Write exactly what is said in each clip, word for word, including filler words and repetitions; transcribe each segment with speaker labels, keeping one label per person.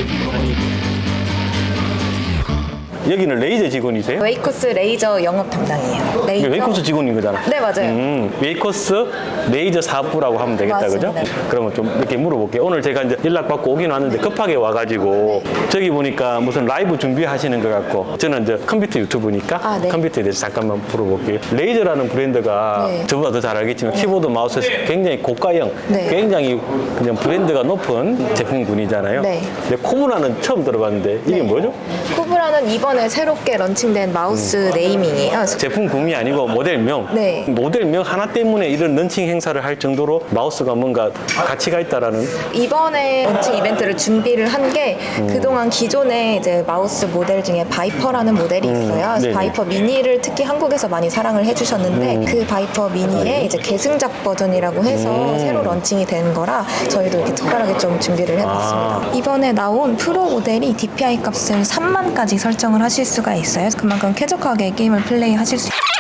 Speaker 1: 여기는 레이저 직원이세요?
Speaker 2: 웨이코스 레이저 영업 담당이에요. 레이저.
Speaker 1: 웨이코스 직원인 거잖아.
Speaker 2: 네, 맞아요.
Speaker 1: 음, 웨이코스 레이저 사업부라고 하면 되겠다,
Speaker 2: 맞습니다.
Speaker 1: 그죠? 그러면 좀 이렇게 물어볼게요. 오늘 제가 이제 연락받고 오긴 왔는데 급하게 와가지고 저기 보니까 무슨 라이브 준비하시는 것 같고 저는 이제 컴퓨터 유튜브니까
Speaker 2: 아, 네.
Speaker 1: 컴퓨터에 대해서 잠깐만 물어볼게요. 레이저라는 브랜드가
Speaker 2: 네.
Speaker 1: 저보다 더 잘 알겠지만 키보드, 마우스 굉장히 고가형,
Speaker 2: 네.
Speaker 1: 굉장히 그냥 브랜드가 높은 제품군이잖아요.
Speaker 2: 네.
Speaker 1: 근데 코브라는 처음 들어봤는데 이게
Speaker 2: 네.
Speaker 1: 뭐죠?
Speaker 2: 코브라는 이번에 새롭게 런칭된 마우스 네이밍이에요.
Speaker 1: 제품군이 아니고 모델명.
Speaker 2: 네.
Speaker 1: 모델명 하나 때문에 이런 런칭 행사를 할 정도로 마우스가 뭔가 가치가 있다라는.
Speaker 2: 이번에 런칭 이벤트를 준비를 한 게
Speaker 1: 음.
Speaker 2: 그동안 기존에 이제 마우스 모델 중에 바이퍼라는 모델이 있어요. 그래서
Speaker 1: 네네.
Speaker 2: 바이퍼 미니를 특히 한국에서 많이 사랑을 해주셨는데
Speaker 1: 음.
Speaker 2: 그 바이퍼 미니의 이제 계승작 버전이라고 해서
Speaker 1: 음.
Speaker 2: 새로 런칭이 된 거라 저희도 이렇게 특별하게 좀 준비를 해봤습니다.
Speaker 1: 아.
Speaker 2: 이번에 나온 프로 모델이 디피아이 값을 삼만까지 설정을 하실 수가 있어요. 그만큼 쾌적하게 게임을 플레이하실 수 있어요.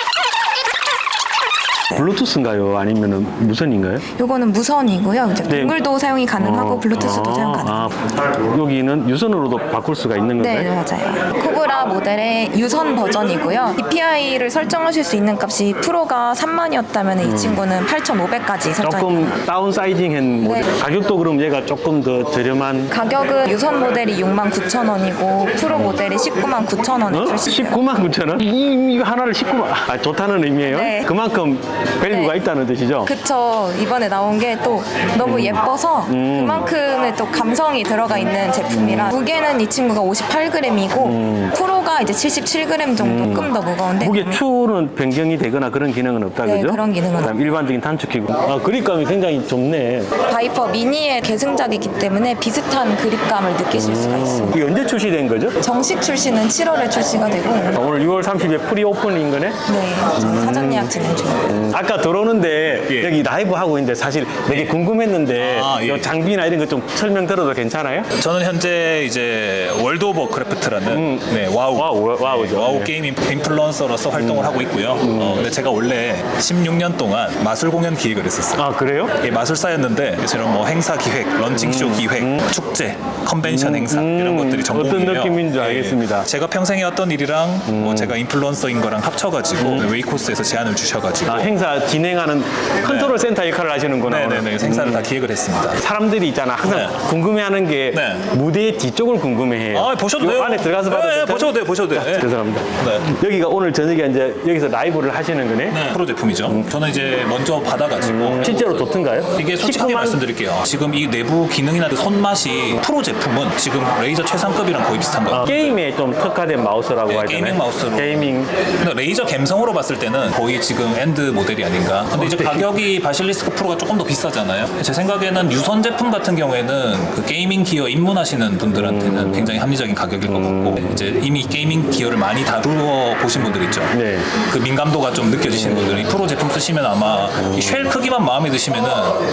Speaker 1: 블루투스인가요? 아니면 무선인가요?
Speaker 2: 요거는 무선이고요. 이제
Speaker 1: 네.
Speaker 2: 동글도 사용이 가능하고
Speaker 1: 어.
Speaker 2: 블루투스도
Speaker 1: 아,
Speaker 2: 사용 가능합니다.
Speaker 1: 아, 여기는 유선으로도 바꿀 수가 있는
Speaker 2: 네,
Speaker 1: 건가요?
Speaker 2: 맞아요. 코브라 모델의 유선 버전이고요. 디피아이를 설정하실 수 있는 값이 프로가 삼만이었다면 이 친구는 팔천오백까지 설정이
Speaker 1: 조금
Speaker 2: 가능합니다.
Speaker 1: 다운 사이징한 모델.
Speaker 2: 네.
Speaker 1: 가격도 그럼 얘가 조금 더 저렴한.
Speaker 2: 가격은 유선 모델이 육만 구천 원이고 프로 모델이 십구만 구천 원에
Speaker 1: 어?
Speaker 2: 출시돼요.
Speaker 1: 십구만 구천 원? 이, 이거 하나를 십구만. 아, 좋다는 의미예요?
Speaker 2: 네.
Speaker 1: 그만큼 밸류가
Speaker 2: 네.
Speaker 1: 있다는 뜻이죠?
Speaker 2: 그쵸. 이번에 나온 게 또 너무 예뻐서
Speaker 1: 음.
Speaker 2: 그만큼의 또 감성이 들어가 있는 제품이라 무게는 이 친구가 오십팔 그램이고 프로가 이제 칠십칠 그램 정도 조금 더 무거운데
Speaker 1: 무게 추는 변경이 되거나 그런 기능은 없다,
Speaker 2: 네,
Speaker 1: 그죠?
Speaker 2: 그런 기능은
Speaker 1: 그다음 일반적인 단축키고. 아, 그립감이 굉장히 좁네.
Speaker 2: 바이퍼 미니의 계승작이기 때문에 비슷한 그립감을 느끼실 수가 있습니다.
Speaker 1: 이게 언제 출시된 거죠?
Speaker 2: 정식 출시는 칠월에 출시가 되고
Speaker 1: 오늘 유월 삼십일 프리 오픈인 거네?
Speaker 2: 네, 지금 사전 예약 진행 중입니다.
Speaker 1: 아까 들어오는데
Speaker 3: 예.
Speaker 1: 여기 라이브 하고 있는데 사실 되게 궁금했는데
Speaker 3: 아, 예.
Speaker 1: 이 장비나 이런 거 좀 설명 들어도 괜찮아요?
Speaker 3: 저는 현재 이제 월드 오브 크래프트라는
Speaker 1: 음.
Speaker 3: 네, 와우,
Speaker 1: 와우, 와우죠.
Speaker 3: 네, 와우
Speaker 1: 네.
Speaker 3: 게임 인플루언서로서 활동을 하고 있고요. 어, 근데 제가 원래 십육 년 동안 마술 공연 기획을 했었어요.
Speaker 1: 아, 그래요?
Speaker 3: 예, 마술사였는데 저런 뭐 행사 기획, 런칭쇼 기획, 축제, 컨벤션 행사 이런 것들이 전공이에요.
Speaker 1: 어떤 느낌인지
Speaker 3: 예,
Speaker 1: 알겠습니다.
Speaker 3: 제가 평생 해왔던 일이랑 뭐 제가 인플루언서인 거랑 합쳐가지고 웨이코스에서 제안을 주셔가지고
Speaker 1: 아, 행사 진행하는 컨트롤 센터 역할을 하시는구나.
Speaker 3: 네네네 행사를 다 기획을 했습니다.
Speaker 1: 사람들이 있잖아. 항상
Speaker 3: 네.
Speaker 1: 궁금해하는 게
Speaker 3: 네.
Speaker 1: 무대의 뒤쪽을 궁금해해요.
Speaker 3: 아, 보셔도
Speaker 1: 요
Speaker 3: 돼요.
Speaker 1: 안에 들어가서 봐도
Speaker 3: 네,
Speaker 1: 될까요?
Speaker 3: 보셔도 돼요, 보셔도 돼요. 예.
Speaker 1: 죄송합니다.
Speaker 3: 네.
Speaker 1: 여기가 오늘 저녁에 이제 여기서 라이브를 하시는 거네.
Speaker 3: 네, 프로 제품이죠. 저는 이제 먼저 받아가지고
Speaker 1: 실제로 좋던가요?
Speaker 3: 이게 솔직하게
Speaker 1: 십구만
Speaker 3: 말씀드릴게요. 지금 이 내부 기능이나 그 손맛이 프로 제품은 지금 레이저 최상급이랑 거의 비슷한 거예요.
Speaker 1: 아, 게임에 좀 특화된 마우스라고
Speaker 3: 네,
Speaker 1: 하잖아요.
Speaker 3: 게이밍 마우스로.
Speaker 1: 게이밍.
Speaker 3: 근데 레이저 감성으로 봤을 때는 거의 지금 엔드 모델이 아닌가. 근데 이제 가격이 바실리스크 프로가 조금 더 비싸잖아요. 제 생각에는 유선 제품 같은 경우에는 그 게이밍 기어 입문하시는 분들한테는
Speaker 1: 음.
Speaker 3: 굉장히 합리적인 가격일 것 같고 이제 이미 게이밍 기어를 많이 다루어 보신 분들 있죠.
Speaker 1: 네.
Speaker 3: 그 민감도가 좀 느껴지시는 분들이 프로 제품 쓰시면 아마 이 쉘 크기만 마음에 드시면은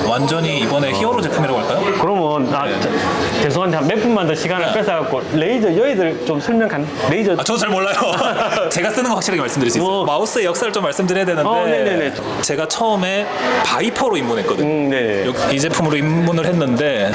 Speaker 3: 완전히 이번에 히어로 제품이라고 할까요?
Speaker 1: 그러면 아, 저, 죄송한데 한 몇 분만 더 시간을
Speaker 3: 네.
Speaker 1: 뺏어갖고 레이저 여의들 좀 설명 간 레이저
Speaker 3: 아, 저도 잘 몰라요. 제가 쓰는 거 확실하게 말씀드릴 수 있어요.
Speaker 1: 뭐.
Speaker 3: 마우스의 역사를 좀 말씀드려야 되는데
Speaker 1: 어, 네네네.
Speaker 3: 제가 처음에 바이퍼로 입문했거든요.
Speaker 1: 음, 네.
Speaker 3: 요- 이 제품으로 입문을 했는데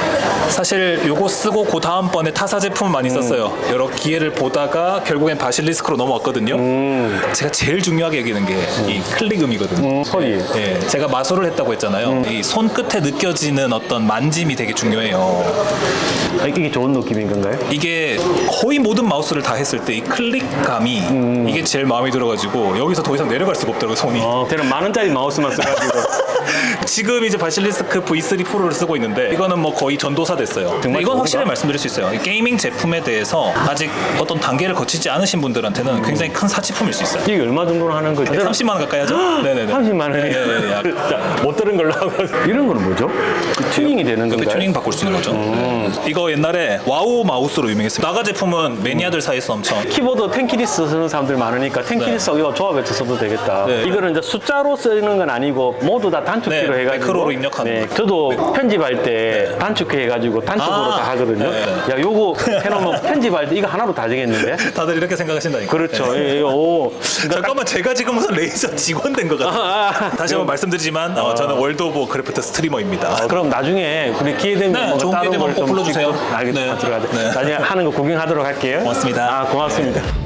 Speaker 3: 사실 요거 쓰고 그 다음번에 타사 제품을 많이 썼어요. 여러 기회를 보다가 결국엔 바실리스크로 넘어왔거든요. 제가 제일 중요하게 여기는 게 이 클릭음이거든요.
Speaker 1: 음, 소리.
Speaker 3: 예, 제가 마술을 했다고 했잖아요. 이 손끝에 느껴지는 어떤 만짐이 되게 중요해요.
Speaker 1: 아, 이게 좋은 느낌인 건가요?
Speaker 3: 이게 거의 모든 마우스를 다 했을 때 이 클릭감이 이게 제일 마음에 들어가지고 여기서 더 이상 내려갈 수가 없더라고요, 손이.
Speaker 1: 어, 저는 만 원짜리 마우스만 써가지고.
Speaker 3: 지금 이제 바실리스크 브이 쓰리 프로를 쓰고 있는데 이거는 뭐 거의 전도사 됐어요. 근데 이건
Speaker 1: 좋은가?
Speaker 3: 확실히 말씀드릴 수 있어요. 이 게이밍 제품에 대해서 아직 어떤 단계를 거치지 않으신 분들한테는 굉장히 큰 사치품일 수 있어요.
Speaker 1: 이게 얼마 정도로 하는 거죠?
Speaker 3: 삼십만 원 가까이 하죠? 네네네.
Speaker 1: 삼십만 원이
Speaker 3: 네, 네, 네. 약-
Speaker 1: 자, 못 들은 걸로 하고. 이런 거는 뭐죠? 튜닝이 되는
Speaker 3: 그
Speaker 1: 건가요?
Speaker 3: 튜닝 바꿀 수 있는 거죠. 이거 옛날에 와우 마우스로 유명했어요. 나가 제품은 매니아들 사이에서 엄청
Speaker 1: 키보드 텐키리스 쓰는 사람들 많으니까 텐키리스 이거 조합해서 써도 되겠다.
Speaker 3: 네.
Speaker 1: 이거는 이제 숫자로 쓰는 건 아니고 모두 다 단축키로
Speaker 3: 네,
Speaker 1: 해가지고
Speaker 3: 매크로로 입력하는
Speaker 1: 네,
Speaker 3: 거.
Speaker 1: 저도 편집할 때 단축키 해가지고 단축으로
Speaker 3: 아,
Speaker 1: 다 하거든요.
Speaker 3: 네.
Speaker 1: 야, 요거 해놓으면 편집할 때 이거 하나로 다 되겠는데?
Speaker 3: 다들 이렇게 생각하신다니까.
Speaker 1: 그렇죠.
Speaker 3: 네.
Speaker 1: 예, 오.
Speaker 3: 잠깐만 제가 지금 무슨 레이저 직원 된 것 같아요.
Speaker 1: 아, 아.
Speaker 3: 다시 한번 말씀드리지만 어, 저는 월드 오브 크래프트 스트리머입니다.
Speaker 1: 어, 그럼 나중에 우리 기회 되면
Speaker 3: 네,
Speaker 1: 뭔가
Speaker 3: 좋은
Speaker 1: 다른
Speaker 3: 기회 되면
Speaker 1: 걸
Speaker 3: 꼭
Speaker 1: 좀
Speaker 3: 불러주세요.
Speaker 1: 찍고 알겠습니다.
Speaker 3: 네.
Speaker 1: 들어가야 돼.
Speaker 3: 네.
Speaker 1: 나중에 하는 거 구경하도록 할게요.
Speaker 3: 고맙습니다.
Speaker 1: 아, 고맙습니다.